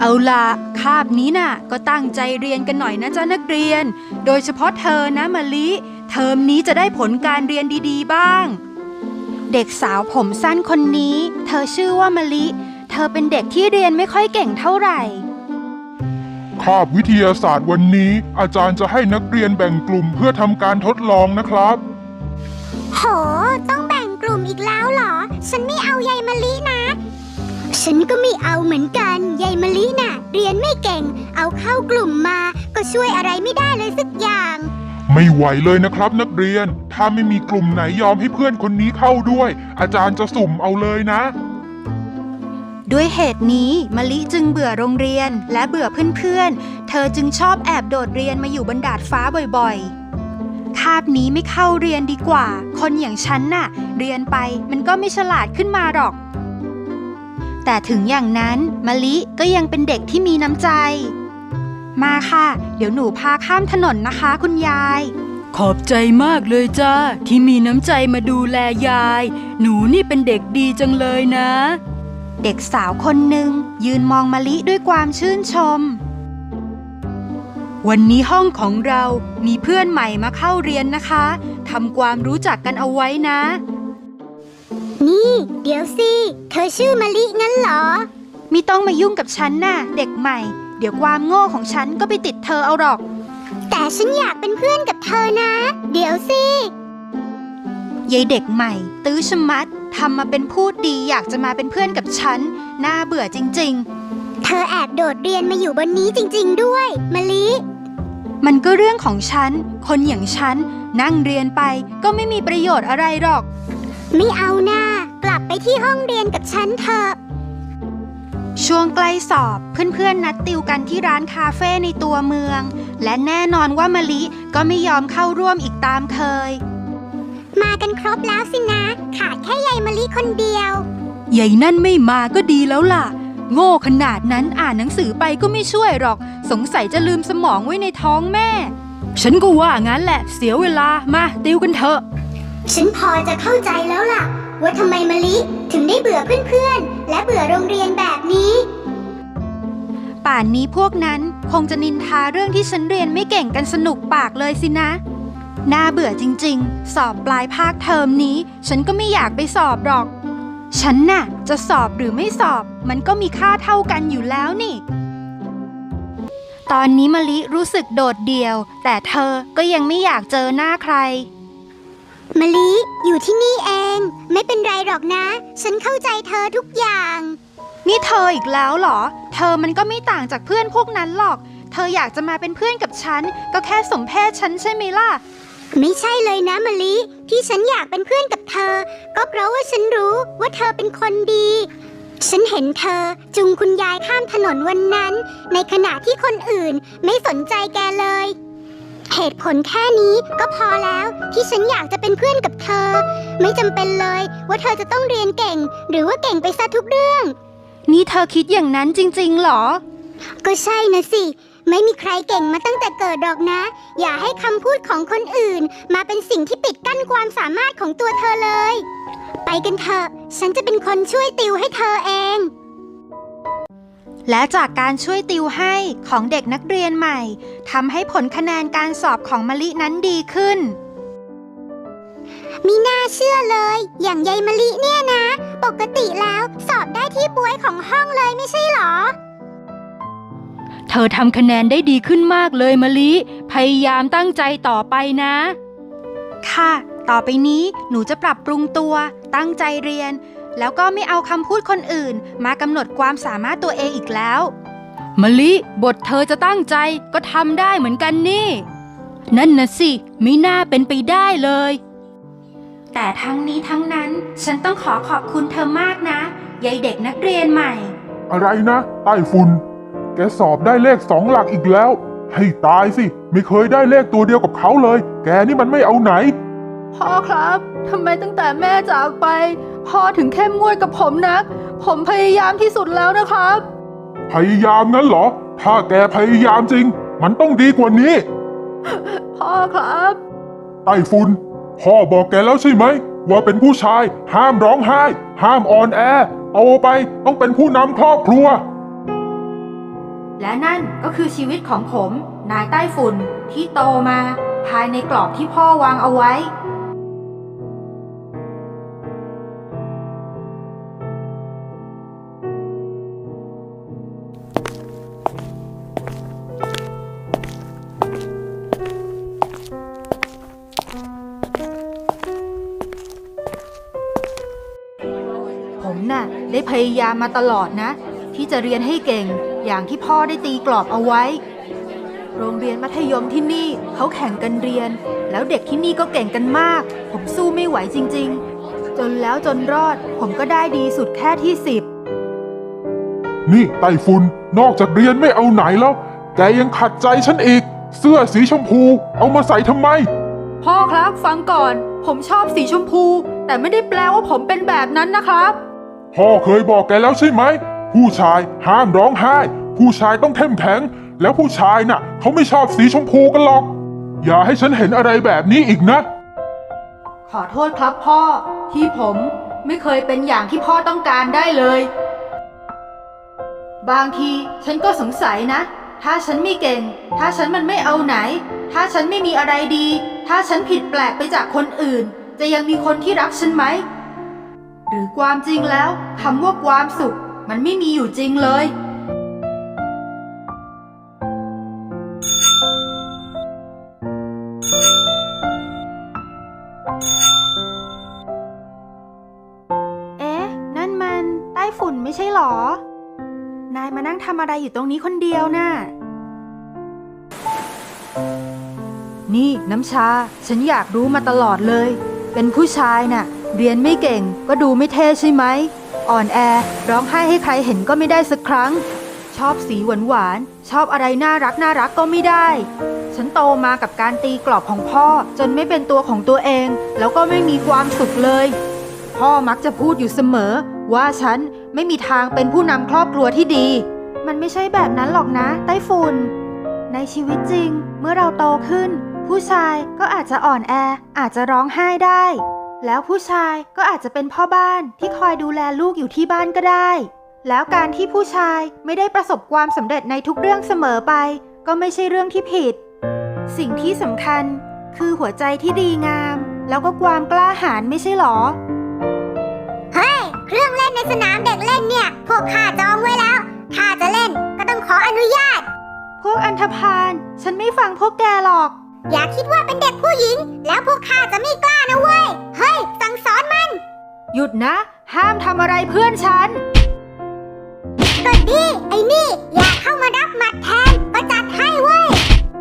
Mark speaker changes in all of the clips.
Speaker 1: เอาล่ะคาบนี้น่ะก็ตั้งใจเรียนกันหน่อยนะจ๊ะนักเรียนโดยเฉพาะเธอนะมะลิเทอมนี้จะได้ผลการเรียนดีๆบ้างเด็กสาวผมสั้นคนนี้เธอชื่อว่ามะลิเธอเป็นเด็กที่เรียนไม่ค่อยเก่งเท่าไหร่
Speaker 2: คาบวิทยาศาสตร์วันนี้อาจารย์จะให้นักเรียนแบ่งกลุ่มเพื่อทำการทดลองนะครับ
Speaker 3: โหต้องแบ่งกลุ่มอีกแล้วเหรอฉันไม่เอายายมะลินะฉันก็ไม่เอาเหมือนกันยายมะลิน่ะเรียนไม่เก่งเอาเข้ากลุ่มมาก็ช่วยอะไรไม่ได้เลยสักอย่าง
Speaker 2: ไม่ไหวเลยนะครับนักเรียนถ้าไม่มีกลุ่มไหนยอมให้เพื่อนคนนี้เข้าด้วยอาจารย์จะสุ่มเอาเลยนะ
Speaker 1: ด้วยเหตุนี้มะลิจึงเบื่อโรงเรียนและเบื่อเพื่อนๆเธอจึงชอบแอบโดดเรียนมาอยู่บนดาดฟ้าบ่อยๆคาบนี้ไม่เข้าเรียนดีกว่าคนอย่างฉันน่ะเรียนไปมันก็ไม่ฉลาดขึ้นมาหรอกแต่ถึงอย่างนั้นมะลิก็ยังเป็นเด็กที่มีน้ำใจมาค่ะเดี๋ยวหนูพาข้ามถนนนะคะคุณยายขอบใจมากเลยจ้าที่มีน้ำใจมาดูแลยายหนูนี่เป็นเด็กดีจังเลยนะเด็กสาวคนหนึ่งยืนมองมะลิด้วยความชื่นชมวันนี้ห้องของเรามีเพื่อนใหม่มาเข้าเรียนนะคะทำความรู้จักกันเอาไว้นะ
Speaker 3: นี่เดี๋ยวสิเธอชื่อมะลิงั้นเหรอ
Speaker 1: ไม่ต้องมายุ่งกับฉันน่ะเด็กใหม่เดี๋ยวความโง่ของฉันก็ไปติดเธอเอาหรอก
Speaker 3: แต่ฉันอยากเป็นเพื่อนกับเธอนะเดี๋ยวสิ
Speaker 1: ยายเด็กใหม่ตื้อชะมัดทำมาเป็นพูดดีอยากจะมาเป็นเพื่อนกับฉันน่าเบื่อจริง
Speaker 3: ๆเธอแอบโดดเรียนมาอยู่บนนี้จริงๆด้วยมะลิ
Speaker 1: มันก็เรื่องของฉันคนอย่างฉันนั่งเรียนไปก็ไม่มีประโยชน์อะไรหรอก
Speaker 3: ไม่เอาหน้ากลับไปที่ห้องเรียนกับฉันเถอะ
Speaker 1: ช่วงใกล้สอบเพื่อนๆนัดติวกันที่ร้านคาเฟ่ในตัวเมืองและแน่นอนว่ามะลิก็ไม่ยอมเข้าร่วมอีกตามเคย
Speaker 3: มากันครบแล้วสินะขาดแค่ยายมะลิคนเดีย
Speaker 1: วยายนั่นไม่มาก็ดีแล้วล่ะโง่ขนาดนั้นอ่านหนังสือไปก็ไม่ช่วยหรอกสงสัยจะลืมสมองไว้ในท้องแม่ฉันก็ว่างั้นแหละเสียเวลามาติวกันเถอะ
Speaker 3: ฉันพอจะเข้าใจแล้วล่ะว่าทำไมมะลิถึงได้เบื่อเพื่อนๆและเบื่อโรงเรียนแบบนี้
Speaker 1: ป่านนี้พวกนั้นคงจะนินทาเรื่องที่ฉันเรียนไม่เก่งกันสนุกปากเลยสินะน่าเบื่อจริงๆสอบปลายภาคเทอมนี้ฉันก็ไม่อยากไปสอบหรอกฉันน่ะจะสอบหรือไม่สอบมันก็มีค่าเท่ากันอยู่แล้วนี่ตอนนี้มะลิรู้สึกโดดเดี่ยวแต่เธอก็ยังไม่อยากเจอหน้าใคร
Speaker 3: มะลิอยู่ที่นี่เองไม่เป็นไรหรอกนะฉันเข้าใจเธอทุกอย่าง
Speaker 1: นี่เธออีกแล้วเหรอเธอมันก็ไม่ต่างจากเพื่อนพวกนั้นหรอกเธออยากจะมาเป็นเพื่อนกับฉันก็แค่สมเพศฉันใช่ไหมล่ะ
Speaker 3: ไม่ใช่เลยนะมะลิที่ฉันอยากเป็นเพื่อนกับเธอก็เพราะว่าฉันรู้ว่าเธอเป็นคนดีฉันเห็นเธอจูงคุณยายข้ามถนนวันนั้นในขณะที่คนอื่นไม่สนใจแกเลยเหตุผลแค่นี้ก็พอแล้วที่ฉันอยากจะเป็นเพื่อนกับเธอไม่จำเป็นเลยว่าเธอจะต้องเรียนเก่งหรือว่าเก่งไปซะทุกเรื่อง
Speaker 1: นี่เธอคิดอย่างนั้นจริงๆหรอ
Speaker 3: ก็ใช่นะสิไม่มีใครเก่งมาตั้งแต่เกิดหรอกนะอย่าให้คำพูดของคนอื่นมาเป็นสิ่งที่ปิดกั้นความสามารถของตัวเธอเลยไปกันเถอะฉันจะเป็นคนช่วยติวให้เธอเอง
Speaker 1: และจากการช่วยติวให้ของเด็กนักเรียนใหม่ทำให้ผลคะแนนการสอบของมะลินั้นดีขึ้น
Speaker 3: มีน่าเชื่อเลยอย่างยายมะลิเนี่ยนะปกติแล้วสอบได้ที่บ๊วยของห้องเลยไม่ใช่หรอ
Speaker 1: เธอทำคะแนนได้ดีขึ้นมากเลยมะลิพยายามตั้งใจต่อไปนะค่ะต่อไปนี้หนูจะปรับปรุงตัวตั้งใจเรียนแล้วก็ไม่เอาคำพูดคนอื่นมากำหนดความสามารถตัวเองอีกแล้วมะลิบทเธอจะตั้งใจก็ทำได้เหมือนกันนี่นั่นน่ะสิไม่น่าเป็นไปได้เลยแต่ทั้งนี้ทั้งนั้นฉันต้องขอบคุณเธอมากนะยายเด็กนักเรียนใหม่
Speaker 2: อะไรนะไต้ฝุ่นแกสอบได้เลข2 หลักอีกแล้วให้ตายสิไม่เคยได้เลขตัวเดียวกับเขาเลยแกนี่มันไม่เอาไหน
Speaker 1: พ่อครับทำไมตั้งแต่แม่จากไปพ่อถึงเข้มงวดกับผมนักผมพยายามที่สุดแล้วนะครับ
Speaker 2: พยายามงั้นเหรอถ้าแกพยายามจริงมันต้องดีกว่านี้
Speaker 1: พ่อครับ
Speaker 2: ไต้ฝุ่นพ่อบอกแกแล้วใช่ไหมว่าเป็นผู้ชายห้ามร้องไห้ห้ามอ่อนแอโตไปต้องเป็นผู้นำครอบครัว
Speaker 1: และนั่นก็คือชีวิตของผม นายใต้ฝุ่นที่โตมาภายในกรอบที่พ่อวางเอาไว้ ผมน่ะได้พยายามมาตลอดนะ ที่จะเรียนให้เก่งอย่างที่พ่อได้ตีกรอบเอาไว้ โรงเรียนมัธยมที่นี่เขาแข่งกันเรียน แล้วเด็กที่นี่ก็เก่งกันมาก ผมสู้ไม่ไหวจริงๆ จนแล้วจนรอดผมก็ได้ดีสุดแค่ที่10
Speaker 2: นี่ไต้ฝุ่นนอกจากเรียนไม่เอาไหนแล้ว แกยังขัดใจฉันอีก เสื้อสีชมพูเอามาใส่ทำไม
Speaker 1: พ่อครับฟังก่อนผมชอบสีชมพู แต่ไม่ได้แปลว่าผมเป็นแบบนั้นนะครับ
Speaker 2: พ่อเคยบอกแกแล้วใช่ไหม ผู้ชายห้ามร้องไห้ ผู้ชายต้องเข้มแข็ง แล้วผู้ชายน่ะเขาไม่ชอบสีชมพูกันหรอก อย่าให้ฉันเห็นอะไรแบบนี้อีกนะ
Speaker 1: ขอโทษครับพ่อที่ผมไม่เคยเป็นอย่างที่พ่อต้องการได้เลย บางทีฉันก็สงสัยนะ ถ้าฉันไม่เก่ง ถ้าฉันมันไม่เอาไหน ถ้าฉันไม่มีอะไรดี ถ้าฉันผิดแปลกไปจากคนอื่น จะยังมีคนที่รักฉันไหม หรือความจริงแล้วคำว่าความสุขมันไม่มีอยู่จริงเลย เอ๊ะ นั่นมันใต้ฝุ่นไม่ใช่หรอ นายมานั่งทำอะไรอยู่ตรงนี้คนเดียวน่ะ นี่น้ำชา ฉันอยากรู้มาตลอดเลย เป็นผู้ชายน่ะ เรียนไม่เก่งก็ดูไม่เท่ใช่ไหม อ่อนแอร้องไห้ให้ใครเห็นก็ไม่ได้สักครั้ง ชอบสีหวานๆชอบอะไรน่ารักก็ไม่ได้ ฉันโตมากับการตีกรอบของพ่อจนไม่เป็นตัวของตัวเอง แล้วก็ไม่มีความสุขเลย พ่อมักจะพูดอยู่เสมอว่าฉันไม่มีทางเป็นผู้นำครอบครัวที่ดี มันไม่ใช่แบบนั้นหรอกนะไต้ฝุ่น ในชีวิตจริงเมื่อเราโตขึ้น ผู้ชายก็อาจจะอ่อนแออาจจะร้องไห้ได้ แล้วผู้ชายก็อาจจะเป็นพ่อบ้านที่คอยดูแลลูกอยู่ที่บ้านก็ได้ แล้วการที่ผู้ชายไม่ได้ประสบความสำเร็จในทุกเรื่องเสมอไป ก็ไม่ใช่เรื่องที่ผิด สิ่งที่สำคัญคือหัวใจที่ดีงาม แล้วก็ความกล้าหาญไม่ใช่หรอ
Speaker 3: เฮ้ย เครื่องเล่นในสนามเด็กเล่นเนี่ย พวกข้าจองไว้แล้ว ถ้าจะเล่นก็ต้องขออนุญาต
Speaker 1: พวกอันธพาลฉันไม่ฟังพวกแกหรอก
Speaker 3: อย่าคิดว่าเป็นเด็กผู้หญิง แล้วพวกข้าจะไม่กล้านะเว้ย เฮ้ย สั่งสอนมัน
Speaker 1: หยุดนะ ห้ามทำอะไรเพื่อนฉัน
Speaker 3: ก็ดีไอ้นี่ อยากเข้ามารับหมัดแทนก็จัดให้เว้ย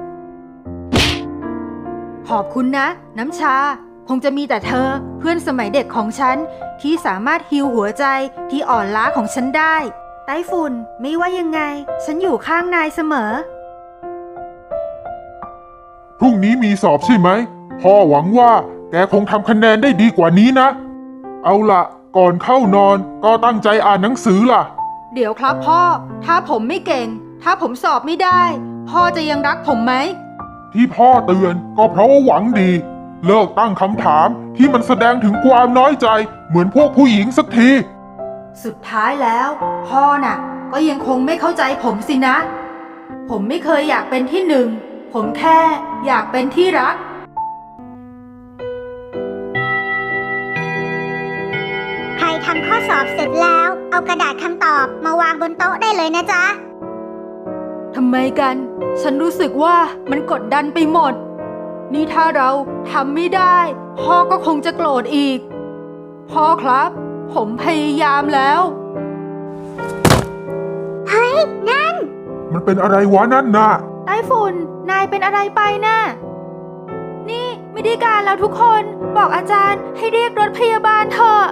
Speaker 1: ขอบคุณนะ น้ำชา คงจะมีแต่เธอเพื่อนสมัยเด็กของฉันที่สามารถฮีลหัวใจที่อ่อนล้าของฉันได้ ไต้ฝุ่นไม่ว่ายังไง ฉันอยู่ข้างนายเสมอ
Speaker 2: พรุ่งนี้มีสอบใช่ไหม พ่อหวังว่าแกคงทำคะแนนได้ดีกว่านี้นะ เอาล่ะ ก่อนเข้านอนก็ตั้งใจอ่านหนังสือล่ะ
Speaker 1: เดี๋ยวครับพ่อ ถ้าผมไม่เก่ง ถ้าผมสอบไม่ได้ พ่อจะยังรักผมไหม
Speaker 2: ที่พ่อเตือนก็เพราะว่าหวังดี เลิกตั้งคำถามที่มันแสดงถึงความน้อยใจเหมือนพวกผู้หญิงสักที
Speaker 1: สุดท้ายแล้ว พ่อน่ะ ก็ยังคงไม่เข้าใจผมสินะ ผมไม่เคยอยากเป็นที่หนึ่ง ผมแค่อยากเป็นที่รัก
Speaker 3: ใครทำข้อสอบเสร็จแล้ว เอากระดาษคำตอบมาวางบนโต๊ะได้เลยนะจ๊ะ
Speaker 1: ทำไมกัน ฉันรู้สึกว่ามันกดดันไปหมด นี่ถ้าเราทำไม่ได้ พ่อก็คงจะโกรธอีก พ่อครับ ผมพยายามแล้ว
Speaker 3: เฮ้ย นั่น
Speaker 2: มันเป็นอะไรวะนั่นน่ะ
Speaker 1: ไต้ฝุ่น นายเป็นอะไรไปน่ะ นี่ไม่ได้การแล้วทุกคน บอกอาจารย์ให้เรียกรถพยาบาลเถอะ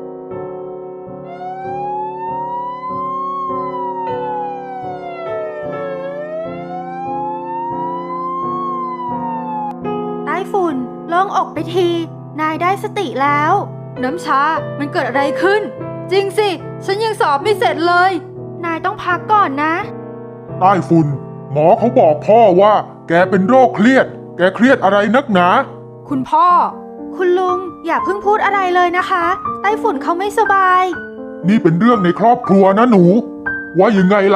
Speaker 1: ไต้ฝุ่นโล่งอกไปที นายได้สติแล้ว น้ำชา มันเกิดอะไรขึ้น จริงสิ ฉันยังสอบไม่เสร็จเลย นายต้องพักก่อนนะ
Speaker 2: ใต้ฝุ่น หมอเขาบอกพ่อว่าแกเป็นโรคเครียด แกเครียดอะไรนักหนา
Speaker 1: คุณพ่อ คุณลุงอย่าเพิ่งพูดอะไรเลยนะคะ ไต้ฝุ่นเขาไม่สบาย
Speaker 2: นี่เป็นเรื่องในครอบครัวนะหนู ว่ายังไงล่ะ แก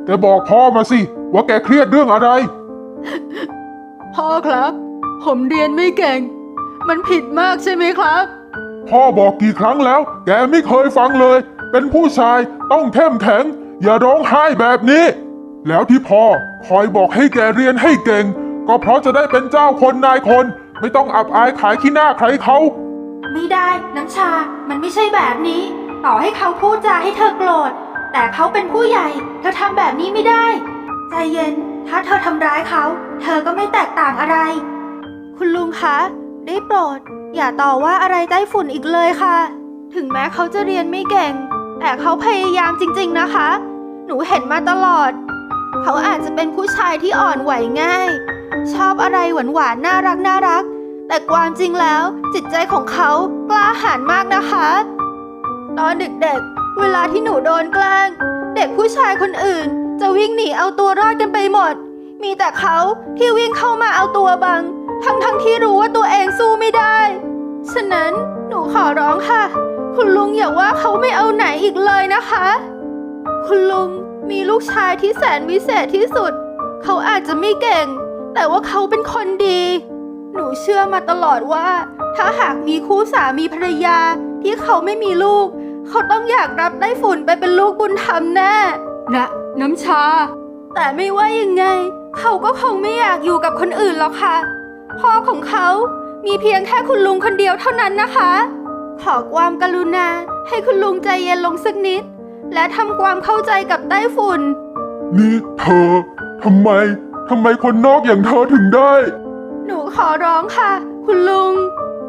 Speaker 2: บอกพ่อมาสิว่าแกเครียดเรื่องอะไร
Speaker 1: พ่อครับ ผมเรียนไม่เก่ง มันผิดมากใช่ไหมครับ
Speaker 2: พ่อบอกกี่ครั้งแล้ว แกไม่เคยฟังเลย เป็นผู้ชายต้องเข้มแข็ง อย่าร้องไห้แบบนี้ แล้วที่พ่อคอยบอกให้แกเรียนให้เก่ง ก็เพราะจะได้เป็นเจ้าคนนายคน ไม่ต้องอับอายขายขี้หน้าใครเขา
Speaker 1: ไม่ได้น้ำชา มันไม่ใช่แบบนี้ ต่อให้เขาพูดจาให้เธอโกรธ แต่เขาเป็นผู้ใหญ่ เธอทำแบบนี้ไม่ได้ ใจเย็น ถ้าเธอทำร้ายเขา เธอก็ไม่แตกต่างอะไร คุณลุงคะ ได้โปรด อย่าต่อว่าอะไรไต้ฝุ่นอีกเลยค่ะ ถึงแม้เขาจะเรียนไม่เก่ง แต่เขาพยายามจริงๆนะคะ หนูเห็นมาตลอด เขาอาจจะเป็นผู้ชายที่อ่อนไหวง่าย ชอบอะไรหวานๆน่ารัก แต่ความจริงแล้วจิตใจของเขากล้าหาญมากนะคะ ตอนเด็กๆ เวลาที่หนูโดนแกล้ง เด็กผู้ชายคนอื่นจะวิ่งหนีเอาตัวรอดกันไปหมด มีแต่เขาที่วิ่งเข้ามาเอาตัวบัง ทั้งที่รู้ว่าตัวเองสู้ไม่ได้ ฉะนั้นหนูขอร้องค่ะ คุณลุงอย่าว่าเขาไม่เอาไหนอีกเลยนะคะ คุณลุงมีลูกชายที่แสนวิเศษที่สุด เขาอาจจะไม่เก่ง แต่ว่าเขาเป็นคนดี หนูเชื่อมาตลอดว่า ถ้าหากมีคู่สามีภรรยาที่เขาไม่มีลูก เขาต้องอยากรับไต้ฝุ่นไปเป็นลูกบุญธรรมแน่นะน้ำชา แต่ไม่ว่ายังไง เขาก็คงไม่อยากอยู่กับคนอื่นหรอกค่ะ พ่อของเขามีเพียงแค่คุณลุงคนเดียวเท่านั้นนะคะ ขอความกรุณาให้คุณลุงใจเย็นลงสักนิด และทำความเข้าใจกับไต้ฝุ่น
Speaker 2: นี่เธอทำไมคนนอกอย่างเธอถึงได้
Speaker 1: หนูขอร้องค่ะ คุณลุง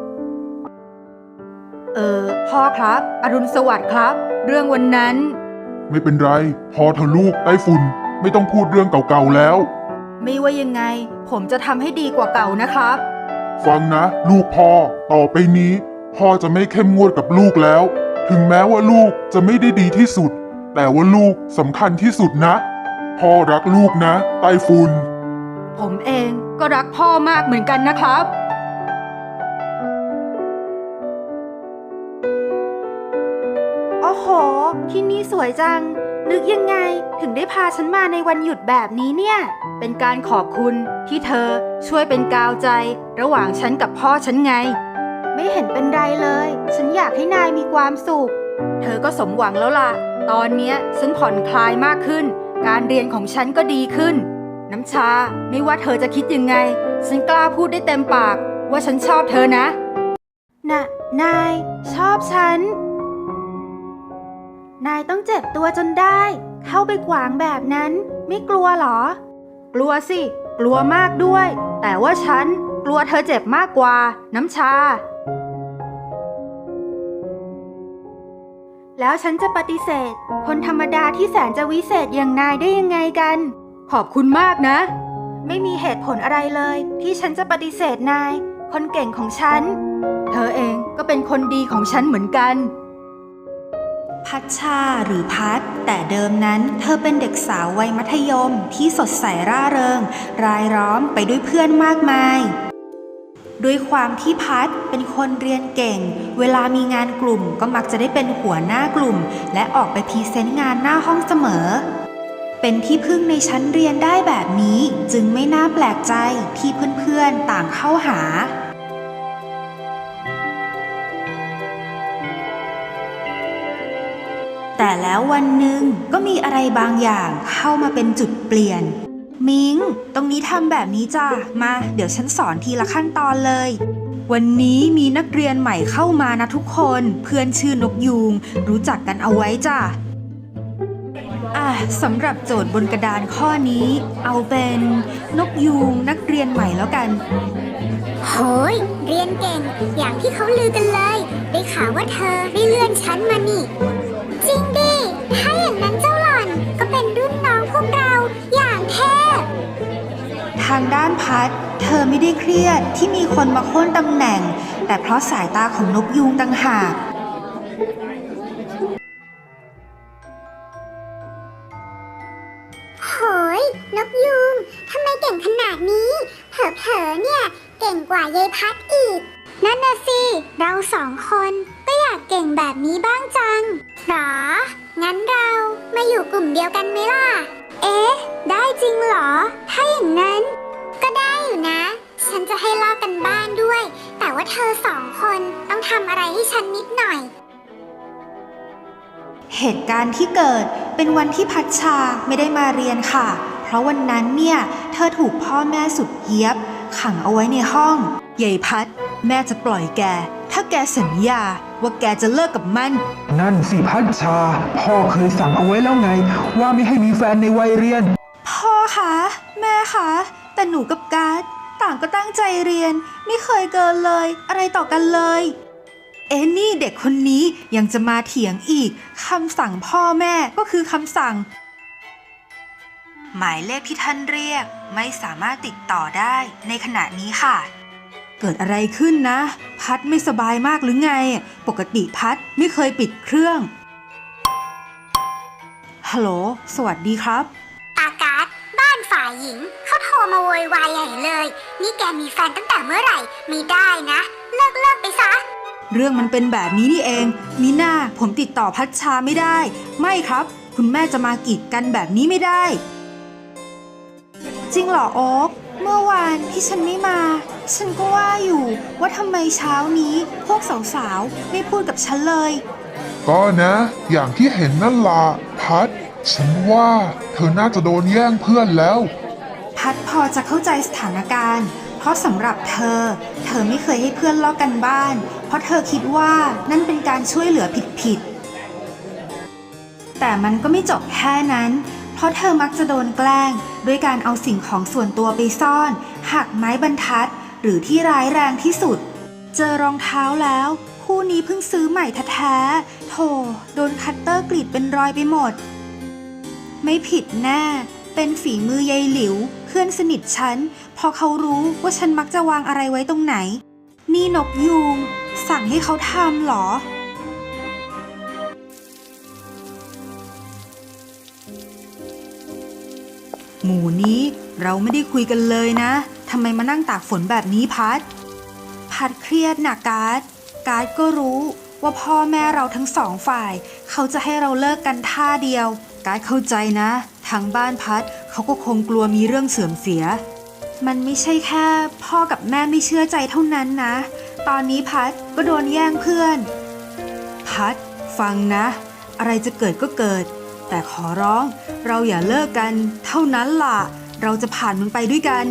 Speaker 1: พ่อครับ อรุณสวัสดิ์ครับ เรื่องวันนั้น
Speaker 2: ไม่เป็นไร พอเธอลูกไต้ฝุ่นไม่ต้องพูดเรื่องเก่าๆแล้ว
Speaker 1: ไม่ว่ายังไง ผมจะทำให้ดีกว่าเก่านะครับ
Speaker 2: ฟังนะลูกพ่อต่อไปนี้พ่อจะไม่เข้มงวดกับลูกแล้ว ถึงแม้ว่าลูกจะไม่ได้ดีที่สุด แต่ว่าลูกสำคัญที่สุดนะ พ่อรักลูกนะไต้ฝุ่น
Speaker 1: ผมเองก็รักพ่อมากเหมือนกันนะครับ โอ้โห ที่นี่สวยจัง นึกยังไงถึงได้พาฉันมาในวันหยุดแบบนี้เนี่ย เป็นการขอบคุณที่เธอช่วยเป็นกาวใจ ระหว่างฉันกับพ่อฉันไง ไม่เห็นเป็นไรเลย ฉันอยากให้นายมีความสุข เธอก็สมหวังแล้วล่ะ ตอนเนี้ยฉันผ่อนคลายมากขึ้น การเรียนของฉันก็ดีขึ้น น้ำชา ไม่ว่าเธอจะคิดยังไง ฉันกล้าพูดได้เต็มปากว่าฉันชอบเธอนะนายชอบฉัน นายต้องเจ็บตัวจนได้ เข้าไปขวางแบบนั้นไม่กลัวหรอ กลัวสิ กลัวมากด้วย แต่ว่าฉันกลัวเธอเจ็บมากกว่าน้ำชา แล้วฉันจะปฏิเสธ คนธรรมดาที่แสนจะวิเศษอย่างนายได้ยังไงกัน ขอบคุณมากนะ ไม่มีเหตุผลอะไรเลยที่ฉันจะปฏิเสธนาย คนเก่งของฉัน เธอเองก็เป็นคนดีของฉันเหมือนกัน พัชชาหรือพัดแต่เดิมนั้นเธอเป็นเด็กสาววัยมัธยมที่สดใสร่าเริง รายล้อมไปด้วยเพื่อนมากมาย ด้วยความที่พัดเป็นคนเรียนเก่ง เวลามีงานกลุ่มก็มักจะได้เป็นหัวหน้ากลุ่ม และออกไปพรีเซนต์งานหน้าห้องเสมอ เป็นที่พึ่งในชั้นเรียนได้แบบนี้จึงไม่น่าแปลกใจที่เพื่อนๆต่างเข้าหา แต่แล้ววันหนึ่งก็มีอะไรบางอย่างเข้ามาเป็นจุดเปลี่ยน มิงตรงนี้ทำแบบนี้จ้ะมาเดี๋ยวฉันสอนทีละขั้นตอนเลย วันนี้มีนักเรียนใหม่เข้ามานะทุกคนเพื่อนชื่อนกยูงรู้จักกันเอาไว้จ้ะสำหรับโจทย์บนกระดานข้อนี้เอาเป็นนกยูงนักเรียนใหม่แล้วกัน
Speaker 3: โหยเรียนเก่งอย่างที่เขาลือกันเลยได้ข่าวว่าเธอได้เลื่อนชั้นมานี่ จริงดิ ถ้าอย่างนั้นเจ้าหล่อนก็เป็นรุ่นน้องพวกเราอย่างเทพ
Speaker 1: ทางด้านพัดเธอไม่ได้เครียดที่มีคนมาโค่นตำแหน่ง แต่เพราะสายตาของนกยูงต่างหาก
Speaker 3: โหยนกยูงทำไมเก่งขนาดนี้เผลอๆเนี่ยเก่งกว่ายายพัดอีก นั่นน่ะสิ เราสองคนก็อยากเก่งแบบนี้บ้างจังหรอ งั้นเรามาอยู่กลุ่มเดียวกันไหมล่ะเอ๊ะ ได้จริงเหรอ ถ้าอย่างนั้น ก็ได้อยู่นะ ฉันจะให้ลอกกันบ้านด้วย แต่ว่าเธอสองคนต้องทำอะไรให้ฉันนิดหน่อย
Speaker 1: เหตุการณ์ที่เกิดเป็นวันที่พัชชาไม่ได้มาเรียนค่ะ เพราะวันนั้นเนี่ยเธอถูกพ่อแม่สุดเหี้ยบขังเอาไว้ในห้องใหญ่พัดแม่จะปล่อยแกถ้าแกสัญญาว่าแกจะเลิกกับมัน
Speaker 4: นั่นสิพัชชา พ่อเคยสั่งเอาไว้แล้วไง ว่าไม่ให้มีแฟนในวัยเรียน
Speaker 1: พ่อคะแม่คะแต่หนูกับการ์ดต่างก็ตั้งใจเรียนไม่เคยเกินเลยอะไรต่อกันเลยนี่เด็กคนนี้ยังจะมาเถียงอีกคำสั่งพ่อแม่ก็คือคำสั่งหมายเลขที่ท่านเรียกไม่สามารถติดต่อได้ในขณะนี้ค่ะเกิดอะไรขึ้นนะพัดไม่สบายมากหรือไงปกติพัดไม่เคยปิดเครื่องฮัลโหลสวัสดีครับ
Speaker 3: อากาศบ้านฝ่ายหญิงเขาโทรมาโวยวายใหญ่เลย นี่แกมีแฟนตั้งแต่เมื่อไหร่ไม่ได้นะ เลิกไปซะ
Speaker 1: เรื่องมันเป็นแบบนี้นี่เองมิน่าผมติดต่อพัชชาไม่ได้ไม่ครับคุณแม่จะมากีดกันแบบนี้ไม่ได้จริงเหรอโอ๊คเมื่อวานที่ฉันไม่มาฉันก็ว่าอยู่ว่าทำไมเช้านี้พวกสาวๆไม่พูดกับฉันเลย
Speaker 2: ก็นะ อย่างที่เห็นนั่นล่ะพัด ฉันว่าเธอน่าจะโดนแย่งเพื่อนแล้ว
Speaker 1: พัดพอจะเข้าใจสถานการณ์เพราะสำหรับเธอไม่เคยให้เพื่อนลอกกันบ้านเพราะเธอคิดว่านั่นเป็นการช่วยเหลือผิดแต่มันก็ไม่จบแค่นั้นเพราะเธอมักจะโดนแกล้งด้วยการเอาสิ่งของส่วนตัวไปซ่อนหักไม้บรรทัดหรือที่ร้ายแรงที่สุดเจอรองเท้าแล้วคู่นี้เพิ่งซื้อใหม่แท้ๆโธ่โดนคัตเตอร์กรีดเป็นรอยไปหมดไม่ผิดแน่เป็นฝีมือยายหลิวเพื่อนสนิทฉันพอเขารู้ว่าฉันมักจะวางอะไรไว้ตรงไหนนี่นกยูงสั่งให้เขาทำเหรอหมู่นี้เราไม่ได้คุยกันเลยนะทำไมมานั่งตากฝนแบบนี้พัดเครียดนะการ์ดก็รู้ว่าพ่อแม่เราทั้งสองฝ่ายเขาจะให้เราเลิกกันท่าเดียวการ์ดเข้าใจนะทางบ้านพัดเขาก็คงกลัวมีเรื่องเสื่อมเสียมันไม่ใช่แค่พ่อกับแม่ไม่เชื่อใจเท่านั้นนะตอนนี้พัดก็โดนแย่งเพื่อนพัดฟังนะอะไรจะเกิดก็เกิดแต่ขอร้องเราอย่าเลิกกันเท่านั้นล่ะเราจะผ่านมันไปด้วยกัน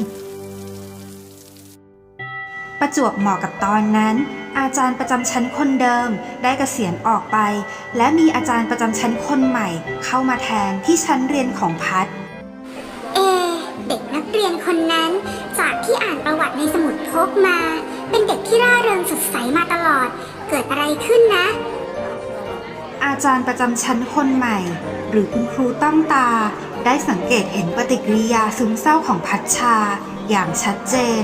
Speaker 1: ประจวบเหมาะกับตอนนั้นอาจารย์ประจำชั้นคนเดิมได้เกษียณออกไปและมีอาจารย์ประจำชั้นคนใหม่เข้ามาแทนที่ชั้นเรียนของพัด
Speaker 3: เด็กนักเรียนคนนั้นจากที่อ่านประวัติในสมุดพกมาเป็นเด็กที่ร่าเริงสดใสมาตลอดเกิดอะไรขึ้นนะ
Speaker 1: อาจารย์ประจำชั้นคนใหม่หรือคุณครูตั้มตาได้สังเกตเห็นปฏิกิริยาซึมเศร้าของพัชชาอย่างชัดเจน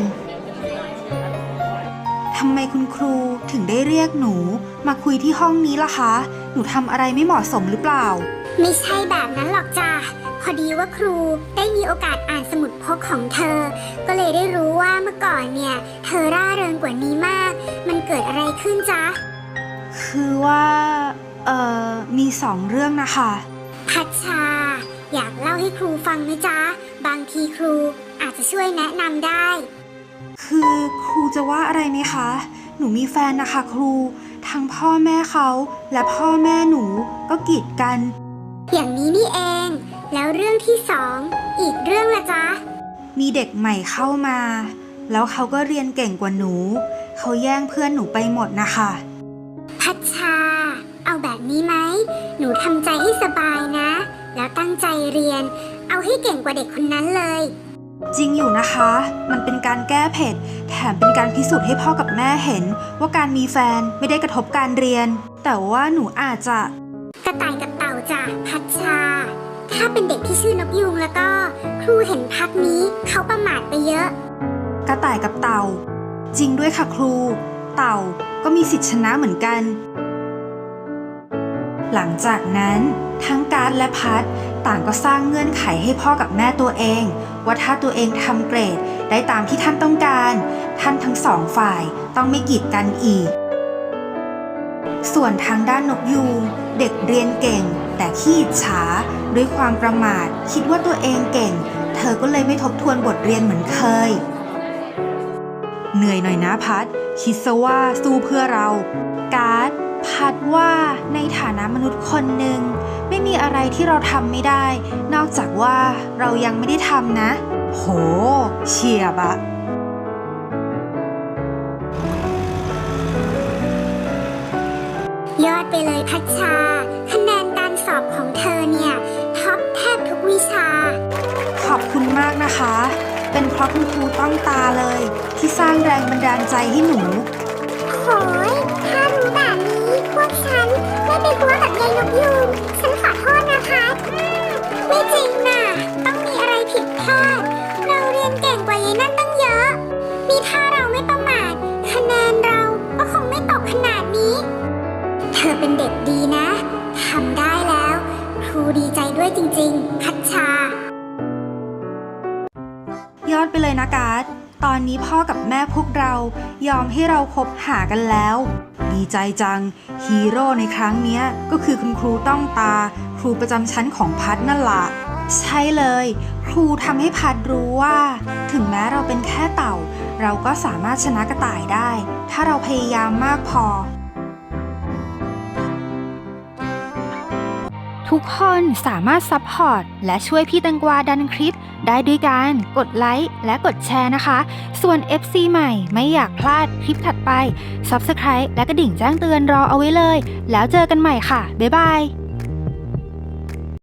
Speaker 1: ทำไมคุณครูถึงได้เรียกหนูมาคุยที่ห้องนี้ล่ะคะหนูทำอะไรไม่เหมาะสมหรือเปล่า
Speaker 3: ไม่ใช่แบบนั้นหรอกจ้ะพอดีว่าครูได้มีโอกาสอ่านสมุดพกของเธอก็เลยได้รู้ว่าเมื่อก่อนเนี่ยเธอร่าเริงกว่านี้มากมันเกิดอะไรขึ้นจ๊ะ
Speaker 1: คือว่ามี2 เรื่องนะคะ
Speaker 3: พัชชาอยากเล่าให้ครูฟังไหมจ๊ะบางทีครูอาจจะช่วยแนะนำได้
Speaker 1: คือครูจะว่าอะไรไหมคะหนูมีแฟนนะคะครูทั้งพ่อแม่เขาและพ่อแม่หนูก็กีดกัน
Speaker 3: อย่างนี้นี่เองแล้วเรื่องที่2อีกเรื่องละจ๊ะ
Speaker 1: มีเด็กใหม่เข้ามาแล้วเขาก็เรียนเก่งกว่าหนูเขาแย่งเพื่อนหนูไปหมดนะคะ
Speaker 3: พัชชาเอาแบบนี้ไหมหนูทำใจให้สบายนะแล้วตั้งใจเรียนเอาให้เก่งกว่าเด็กคนนั้นเลย
Speaker 1: จริงอยู่นะคะมันเป็นการแก้เผ็ดแถมเป็นการพิสูจน์ให้พ่อกับแม่เห็นว่าการมีแฟนไม่ได้กระทบการเรียนแต่ว่าหนูอาจจะ
Speaker 3: กระต่ายกับเต่าจ้ะพัชชาถ้าเป็นเด็กที่ชื่อนกยูงแล้วก็ครูเห็นพักนี้เขาประมาทไปเยอะ
Speaker 1: กระต่ายกับเต่าจริงด้วยค่ะครูเต่าก็มีสิทธิชนะเหมือนกันหลังจากนั้นทั้งการ์ดและพัดต่างก็สร้างเงื่อนไขให้พ่อกับแม่ตัวเองว่าถ้าตัวเองทำเกรดได้ตามที่ท่านต้องการท่านทั้ง2 ฝ่ายต้องไม่กีดกันอีกส่วนทางด้านนกยูงเด็กเรียนเก่ง แต่ขี้อิจฉาด้วยความประมาทคิดว่าตัวเองเก่ง เธอก็เลยไม่ทบทวนบทเรียนเหมือนเคย เหนื่อยหน่อยนะพัดคิดซะว่าสู้เพื่อเราการ์ดพัดว่าในฐานะมนุษย์คนหนึ่งไม่มีอะไรที่เราทำไม่ได้ นอกจากว่าเรายังไม่ได้ทำนะ โหเฉียบอะ
Speaker 3: ยอดไปเลยพัชชา คะแนนการสอบของเธอเนี่ยท็อปแทบทุกวิชา
Speaker 1: ขอบคุณมากนะคะ เป็นเพราะคุณครูต้องตาเลย ที่สร้างแรงบันดาลใจให้หนู
Speaker 3: โหยถ้ารู้แบบนี้พวกฉันไม่ไปกลัวกับยายนกยูงฉันขอโทษนะคะไม่จริงน่ะ ต้องมีอะไรผิดพลาด เราเรียนเก่งกว่ายายนั่นตั้งเยอะ มีถ้าเราไม่ประมาทคะแนนเราก็คงไม่ตกขนาดนี้ เธอเป็นเด็กดีนะทำได้แล้ว ครูดีใจด้วยจริงๆ พัชชา
Speaker 1: ยอดไปเลยนะการ์ดตอนนี้พ่อกับแม่พวกเรายอมให้เราคบหากันแล้ว ดีใจจังฮีโร่ในครั้งเนี้ยก็คือคุณครูต้องตา ครูประจำชั้นของพัดนั่นล่ะใช่เลย ครูทำให้พัดรู้ว่า ถึงแม้เราเป็นแค่เต่า เราก็สามารถชนะกระต่ายได้ ถ้าเราพยายามมากพอ ทุกคนสามารถซัพพอร์ตและช่วยพี่แตงกวาดันคลิปได้ด้วยการกดไลค์และกดแชร์นะคะ ส่วน FC ใหม่ไม่อยากพลาดคลิปถัดไป Subscribe และกระดิ่งแจ้งเตือนรอเอาไว้เลย แล้วเจอกันใหม่ค่ะ บ๊ายบาย